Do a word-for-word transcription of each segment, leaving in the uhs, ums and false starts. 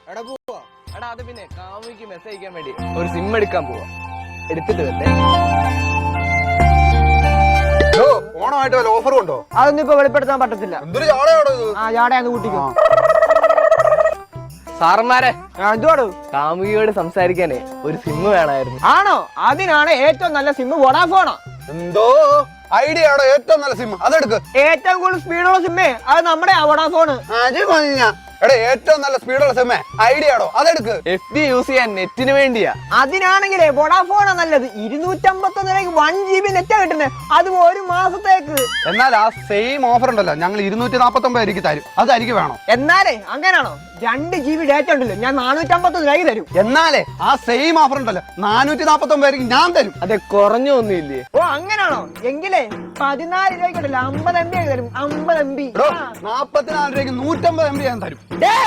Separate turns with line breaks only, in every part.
എടാ പോവാ.
എടാ അത് പിന്നെ കാമുകിക്ക് മെസ്സേജ് അയക്കാൻ വേണ്ടി ഒരു സിം എടുക്കാൻ പോവാ. എടുത്തിട്ട് വന്നേ.
ഓണമായിട്ട് വല്ല ഓഫറും ഉണ്ടോ?
അതൊന്നും ഇപ്പൊ വെളിപ്പെടുത്താൻ പറ്റത്തില്ല.
എന്തൊരു ജാടയാണോ ഇത്?
ആ ജാടയാന്ന് കൂട്ടിക്കോ.
സാറന്മാരെ
എന്തുവാടോ?
കാമുകിയോട് സംസാരിക്കാനേ ഒരു സിം വേണമായിരുന്നു.
ആണോ? അതിനാണ് ഏറ്റവും നല്ല സിം വോഡാഫോണോ.
എന്തോ ഐഡിയ ആണോ ഏറ്റവും നല്ല സിം? അതെടുക്ക്.
ഏറ്റവും കൂടുതൽ സ്പീഡുള്ള സിമ്മേ അത് നമ്മുടെ വോഡാഫോണ്.
എടാ ഏറ്റവും നല്ല സ്പീഡുള്ള സിമ്മേ ഐഡിയ ആണോ? അതെടുക്ക്.
എഫ് ബി യൂസ് ചെയ്യാൻ നെറ്റിന് വേണ്ടിയാ.
അതിനാണെങ്കിലേ വോഡാഫോണാ നല്ലത്. ഇരുന്നൂറ്റമ്പത്തൊന്ന് രൂപയ്ക്ക് വൺ ജി ബി നെറ്റാ കിട്ടുന്നത്, അതും ഒരു മാസത്തേക്ക്.
എന്നാൽ ആ സെയിം ഓഫർ ഉണ്ടല്ലോ, ഞങ്ങൾ ഇരുന്നൂറ്റി നാപ്പത്തി ഒമ്പത് എനിക്ക് തരും. അത് എനിക്ക് വേണം.
എന്നാലേ അങ്ങനാണോ? രണ്ട് ജി ബി ഡേറ്റ ഉണ്ടല്ലോ, ഞാൻ നാനൂറ്റമ്പത്തൊന്ന് രൂപയ്ക്ക് തരും.
എന്നാലേ ആ സെയിം ഓഫർ ഉണ്ടല്ലോ, നാനൂറ്റി നാപ്പത്തി ഒമ്പത് ഞാൻ തരും.
അതെ കുറഞ്ഞൊന്നുമില്ലേ?
ഓ അങ്ങനാണോ? എങ്കിലേ പതിനാല് രൂപയ്ക്കുണ്ടല്ലോ അമ്പത് എം ബി ആയി തരും. അമ്പത് എം ബി
നാപ്പത്തിനാല് രൂപയ്ക്ക് നൂറ്റമ്പത് എം ബി ഞാൻ തരും.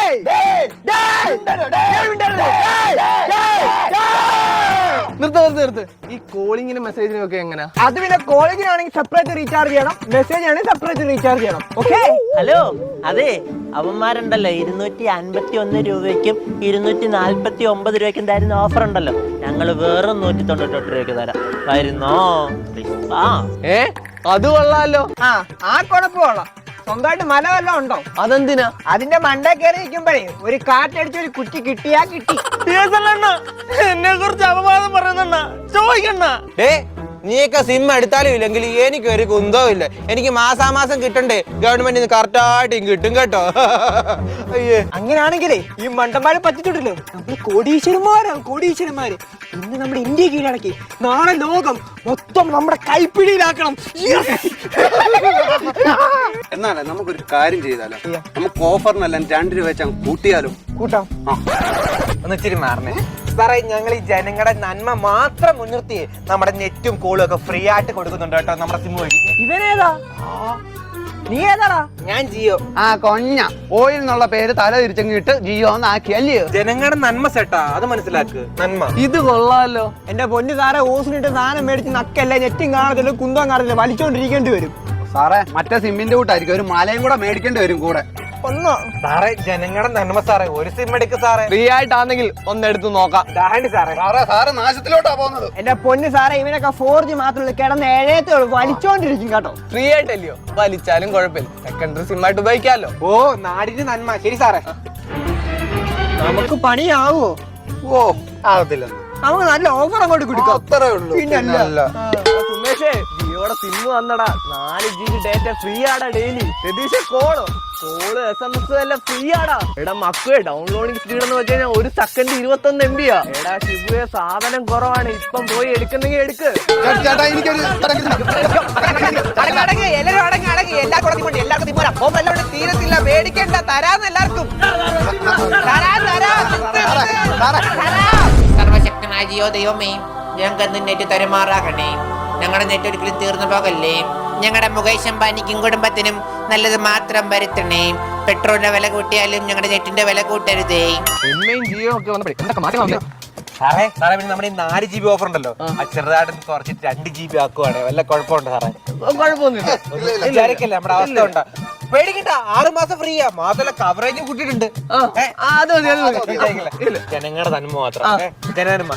നിർത്ത് നിർത്ത് നിർത്ത്. ഈ കോളിങ്ങിനും മെസ്സേജിനും ഒക്കെ എങ്ങനെയാ?
അത് പിന്നെ കോളേജിനാണെങ്കിൽ സെപ്പറേറ്റ് റീചാർജ് ചെയ്യണം, മെസ്സേജ് ആണെങ്കിൽ സെപ്പറേറ്റ് റീചാർജ് ചെയ്യണം. ഓക്കെ.
ഹലോ, അതെ അവന്മാരുണ്ടല്ലോ ഇരുന്നൂറ്റി അൻപത്തി ഒന്ന് രൂപയ്ക്കും ഇരുന്നൂറ്റി നാല്പത്തി ഒമ്പത് രൂപയ്ക്കും തരുന്ന ഓഫർ ഉണ്ടല്ലോ, ഞങ്ങൾ വെറും നൂറ്റി തൊണ്ണൂറ്റെട്ട് രൂപയ്ക്ക് തരാം. വരുന്നോ?
ഏ അത് കൊള്ളാലോ.
ആ ആ കുഴപ്പമുള്ള സ്വന്തമായിട്ട് മല വല്ലതും ഉണ്ടോ?
അതെന്തിനാ?
അതിന്റെ മണ്ട കയറി നിൽക്കുമ്പോഴേ ഒരു കാറ്റടിച്ച് ഒരു കുറ്റി കിട്ടിയാ കിട്ടി.
എന്നെ കുറിച്ച് അപവാദം പറയുന്ന ചോദിക്കണ്ട.
നീയൊക്കെ സിം എടുത്താലും ഇല്ലെങ്കിൽ എനിക്ക് ഒരു കുന്തവും ഇല്ല. എനിക്ക് മാസാമാസം കിട്ടണ്ടേ, ഗവൺമെന്റിന് കറക്റ്റ് ആയിട്ട് കിട്ടും കേട്ടോ. അയ്യേ,
അങ്ങനെയാണെങ്കിലേ ഈ മണ്ടന്മാരെ പറ്റിട്ടുണ്ടല്ലോ, നമ്മള് കോടീശ്വരന്മാരാണ് കോടീശ്വരന്മാര്. ഇന്ന് നമ്മുടെ ഇന്ത്യ കീഴടക്കി, നാളെ ലോകം മൊത്തം നമ്മുടെ കൈപ്പിടിയിലാക്കണം.
എന്നാലേ നമുക്കൊരു കാര്യം ചെയ്താലോ, നമുക്ക് ഓഫറിനെല്ലാം രണ്ട് രൂപ വെച്ച് കൂട്ടിയാലോ?
കൂട്ടാം.
ഒന്ന് ഇച്ചിരി മാറണേ സാറേ. ഞങ്ങൾ ഈ ജനങ്ങളുടെ നന്മ മാത്രം മുൻനിർത്തി നമ്മുടെ നെറ്റും കോളും ഒക്കെ ഫ്രീ ആയിട്ട് കൊടുക്കുന്നുണ്ട് കേട്ടോ നമ്മുടെ സിം വഴി.
ഇവനേതാ? നീ ഏതാടാ?
ഞാൻ ജിയോ.
ആ കൊഞ്ഞ ഓയിൽ എന്നുള്ള പേര് തല തിരിച്ചങ്ങിട്ട് ജിയോ എന്നാക്കി അല്ലയോ?
ജനങ്ങളുടെ നന്മ സെട്ടാ, അത് മനസ്സിലാക്ക്. നന്മ
ഇത് കൊള്ളാലോ.
എന്റെ പൊന്നു സാറെ, ഓസിനിട്ട് സാധനം മേടിച്ച് നക്കല്ലേ, നെറ്റും കാണത്തില്ല, കുന്തവും കാണത്തില്ല, വലിച്ചോണ്ടിരിക്കേണ്ടി വരും.
സാറേ മറ്റേ സിമ്മിന്റെ കൂട്ടായിരിക്കും, ഒരു മലയും കൂടെ മേടിക്കേണ്ടി വരും കൂടെ.
ഒന്നോ
സാറേ, ജനങ്ങളുടെ നന്മ സാറേ, ഒരു സിം എടുക്ക് സാറേ.
ഫ്രീ ആയിട്ടാണെങ്കിൽ ഒന്നെടുത്ത് നോക്കാം.
സാറേ
സാറേ സാറ് നാശത്തിലോട്ടാ പോകുന്നത്.
എന്റെ പൊന്നു സാറേ, ഇവനൊക്കെ ഫോർ ജി മാത്രമല്ല, കിടന്ന് ഏഴേത്തേ ഉള്ളൂ, വലിച്ചോണ്ടിരിക്കും കേട്ടോ.
ഫ്രീ ആയിട്ടല്ലയോ, വലിച്ചാലും കുഴപ്പമില്ല, സെക്കൻഡറി സിം ആയിട്ട് ഉപയോഗിക്കാമല്ലോ.
ഓ നാടിന് നന്മ. ശരി സാറേ,
നമുക്ക് പണിയാവോ?
ഓ ആകത്തില്ല,
നമുക്ക് നല്ല ഓഫർ അങ്ങോട്ട് കൊടുക്കാം.
അത്രേ ഉള്ളൂ.
പിന്നല്ല
സുമേഷേ, ജിയോടെ സിം വന്നടാ. നാല് ജി ബി ഡേറ്റ ഫ്രീ ആടാ ഡെയിലി. രതീഷ് കോളോ കോള് എസ് എം എസ് എല്ലാം ഫ്രീ ആടാ. എടാ മക്കുവേ, ഡൗൺലോഡിംഗ് സ്പീഡ് എന്ന് വെച്ച് കഴിഞ്ഞാൽ ഒരു സെക്കൻഡ് ഇരുപത്തൊന്ന് എം ബിയാ. എടാ ശിബുവേ, സാധനം കുറവാണ്, ഇപ്പം പോയി എടുക്കുന്നെങ്കിൽ എടുക്ക്.
ചേട്ടാ എനിക്കൊരു
തീരത്തില്ല, മേടിക്കണ്ട, തരാന്ന് എല്ലാവർക്കും. സർവശക്തനായ ജിയോ ദൈവമേ, ഞങ്ങൾക്ക് നെറ്റ് തരുമാറാകണേ. ഞങ്ങളുടെ നെറ്റ് ഒരിക്കലും തീർന്നു പോകല്ലേ. ഞങ്ങളുടെ മുകേഷ് അംബാനിക്കും കുടുംബത്തിനും നല്ലത് മാത്രം വരുത്തണേ. പെട്രോളിന്റെ വില കൂട്ടിയാലും ഞങ്ങളുടെ നെറ്റിന്റെ വില കൂട്ടരുതേ.
എമ്മയും ജിയോ ഒക്കെ വന്നപ്പോഴേ എന്തൊക്കെ മാറ്റം വന്നേ.
സാറേ സാറേ പിന്നെ നമ്മുടെ ഈ നാല് ജി ബി ഓഫർ ഉണ്ടല്ലോ, ആ ചെറുതായിട്ട് കുറച്ചിട്ട് രണ്ട് ജി ബി ആക്കുവാണ്. വല്ല കുഴപ്പമുണ്ട് സാറേ?
കുഴപ്പമൊന്നുമില്ല.
വിചാരിക്കല്ലേ, നമ്മുടെ അവസ്ഥ ഉണ്ടാ. പേടിക്കണ്ട, ആറ് മാസം ഫ്രീയാ. മാത്രമല്ല കവറേജ് കൂട്ടിയിട്ടുണ്ട്. ജനങ്ങളുടെ നന്മ മാത്രം. ജനനന്മ.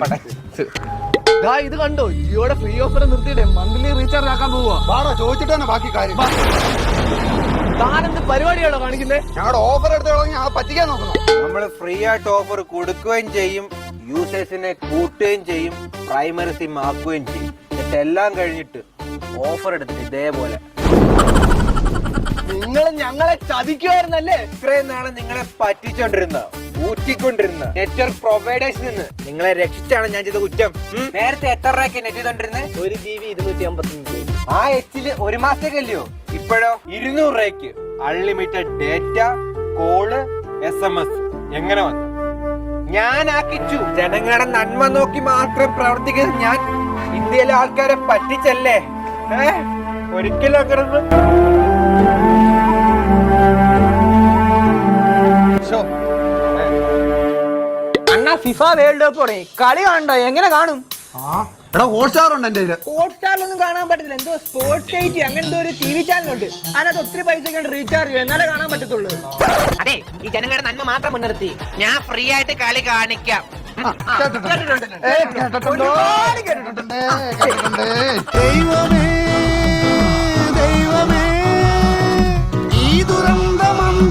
ഇത് കണ്ടോ, ജിയോടെ ഫ്രീ ഓഫർ നിർത്തിയിട്ടേ മന്ത്ലി റീചാർജ് ആക്കാൻ പോവാ.
ചോദിച്ചിട്ട് തന്നെ ബാക്കി കാര്യം.
താനെന്ത് പരിപാടിയാണോ കാണിക്കുന്നേ?
ഞങ്ങളുടെ ഓഫർ എടുത്ത് പറ്റിക്കാൻ നോക്കണം.
നമ്മൾ ഫ്രീ ആയിട്ട് ഓഫർ കൊടുക്കുകയും ചെയ്യും, യൂസേഴ്സിനെ കൂട്ടുകയും ചെയ്യും, പ്രൈമറി സിം ആക്കുകയും ചെയ്യും. എന്നിട്ട് എല്ലാം കഴിഞ്ഞിട്ട് ഓഫർ എടുത്തിട്ട് ഇതേപോലെ
നിങ്ങൾ ഞങ്ങളെ ചതിക്കുമായിരുന്നല്ലേ?
ഇത്രയും നാളെ നിങ്ങളെ പറ്റിച്ചോണ്ടിരുന്ന ഊറ്റിക്കൊണ്ടിരുന്ന നെറ്റ്വർക്ക് പ്രൊവൈഡേഴ്സിൽ നിന്ന് നിങ്ങളെ രക്ഷിച്ചാണ് ഞാൻ ചെയ്ത കുറ്റം. നേരത്തെ എത്ര രൂപയ്ക്ക് നെറ്റ് ചെയ്തോണ്ടിരുന്നത്?
ഒരു ജി ബി ഇരുന്നൂറ്റി അമ്പത്തഞ്ച്.
ആ എച്ചില് ഒരു മാസത്തേക്കല്ലയോ? ഇപ്പോഴോ ഇരുന്നൂറ് രൂപയ്ക്ക് unlimited data, call, S M S. എങ്ങനെ വന്നു? ഞാൻ ആക്കിച്ചു. ജനങ്ങളുടെ നന്മ നോക്കി മാത്രം പ്രവർത്തിക്കുന്നത് ഞാൻ ഇന്ത്യയിലെ ആൾക്കാരെ പറ്റിച്ചല്ലേ? ഏ ഒരിക്കലും അങ്ങനെ
അണ്ണാ ഫിഫ വേൾഡ് കപ്പ് തുടങ്ങി, കളി കാണണ്ടോ? എങ്ങനെ കാണും?
എടാ ഹോട്ട്സ്റ്റാർ ഉണ്ട് എന്റെ കയ്യില്.
ഹോട്ട്സ്റ്റാറിലൊന്നും കാണാൻ പറ്റത്തില്ല. എന്തോ സ്പോർട്സ് എയ്റ്റ് അങ്ങനെ എന്തോ ഒരു ടി വി ചാനലുണ്ട്. അതിനകത്ത് ഒത്തിരി പൈസ റീചാർജ് ചെയ്യും, എന്നാലേ കാണാൻ പറ്റത്തുള്ളൂ.
അതെ, ഈ ജനങ്ങളുടെ നന്മ മാത്രം മുൻനിർത്തി ഞാൻ ഫ്രീ ആയിട്ട് കളി കാണിക്കാം.
കേട്ടിട്ടുണ്ട്. ഏ, കേട്ടിട്ടുണ്ട്. കേട്ടിട്ടുണ്ട്. ദൈവമേ